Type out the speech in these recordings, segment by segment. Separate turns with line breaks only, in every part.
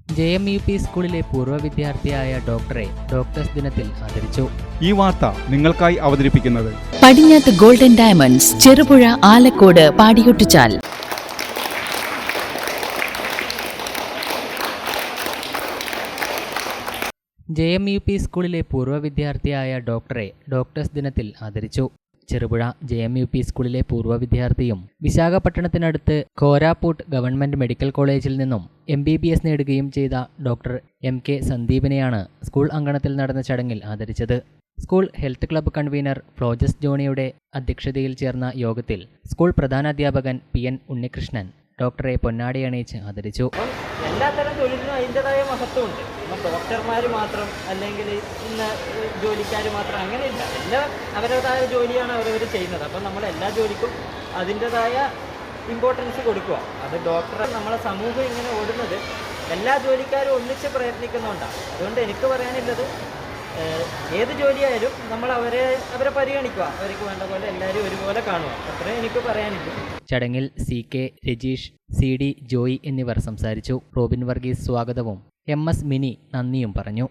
JMUP സ്കൂളിലെ പൂർവ്വ വിദ്യാർത്ഥിയായ ഡോക്ടറെ ഡോക്ടേഴ്സ് ദിനത്തിൽ ആദരിച്ചു.
ഈ വാർത്ത നിങ്ങൾക്കായി അവതരിപ്പിക്കുന്നത്
Padinjath golden diamonds, Cherupuzha, Alakode, Padiyottuchal.
JMUP സ്കൂളിലെ പൂർവ്വ വിദ്യാർത്ഥിയായ ഡോക്ടറെ ഡോക്ടേഴ്സ് ദിനത്തിൽ ആദരിച്ചു. ചെറുപുഴ JMUP സ്കൂളിലെ പൂർവ്വ വിദ്യാർത്ഥിയും വിശാഖപട്ടണത്തിനടുത്ത് കോരാപ്പൂട്ട് ഗവൺമെന്റ് മെഡിക്കൽ കോളേജിൽ നിന്നും MBBS നേടുകയും ചെയ്ത ഡോക്ടർ MK സന്ദീപിനെയാണ് സ്കൂൾ അങ്കണത്തിൽ നടന്ന ചടങ്ങിൽ ആദരിച്ചത്. സ്കൂൾ ഹെൽത്ത് ക്ലബ്ബ് കൺവീനർ ഫ്ലോജസ് ജോണിയുടെ അധ്യക്ഷതയിൽ ചേർന്ന യോഗത്തിൽ സ്കൂൾ പ്രധാനാധ്യാപകൻ PN ഉണ്ണികൃഷ്ണൻ ഡോക്ടറെ പൊന്നാടി അണിയിച്ച് ആദരിച്ചു.
എല്ലാത്തരം തൊഴിലിനും അതിൻ്റെതായ മഹത്വമുണ്ട്. ഇപ്പം ഡോക്ടർമാർ മാത്രം അല്ലെങ്കിൽ ഇന്ന ജോലിക്കാർ മാത്രം അങ്ങനെയില്ല. എല്ലാം അവരുടേതായ ജോലിയാണ് അവരവർ ചെയ്യുന്നത്. അപ്പം നമ്മൾ എല്ലാ ജോലിക്കും അതിൻ്റെതായ ഇമ്പോർട്ടൻസ് കൊടുക്കുക. അത് ഡോക്ടർ നമ്മളെ സമൂഹം ഇങ്ങനെ ഓടുന്നത് എല്ലാ ജോലിക്കാരും ഒന്നിച്ച് പ്രയത്നിക്കുന്നുണ്ടാണ്. അതുകൊണ്ട് എനിക്ക് പറയാനുള്ളത്, ഏത് ജോലിയായാലും നമ്മൾ അവരെ പരിഗണിക്കുക, അവർക്ക് വേണ്ട പോലെ എല്ലാവരും ഒരുപോലെ കാണുക. അത്രേ എനിക്ക് പറയാനില്ല.
ചടങ്ങിൽ CK രജീഷ്, CD ജോയി എന്നിവർ സംസാരിച്ചു. റോബിൻ വർഗീസ് സ്വാഗതവും MS മിനി നന്ദിയും പറഞ്ഞു.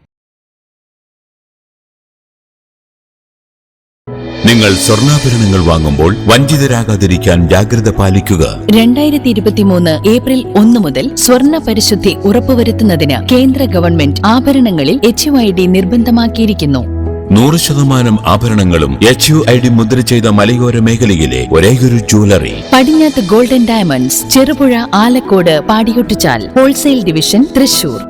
നിങ്ങൾ സ്വർണ്ണാഭരണങ്ങൾ വാങ്ങുമ്പോൾ വഞ്ചിതരാകാതിരിക്കാൻ ജാഗ്രത പാലിക്കുക.
2023 ഏപ്രിൽ 1 മുതൽ സ്വർണ്ണ പരിശുദ്ധി ഉറപ്പുവരുത്തുന്നതിന് കേന്ദ്ര ഗവൺമെന്റ് ആഭരണങ്ങളിൽ HUID നിർബന്ധമാക്കിയിരിക്കുന്നു.
100% ആഭരണങ്ങളും HUID മുദ്ര ചെയ്ത മലയോര മേഖലയിലെ ഒരേയൊരു jewellery
Padinjath golden diamonds, Cherupuzha, Alakode, Padiyottuchal. Wholesale division, Thrissur.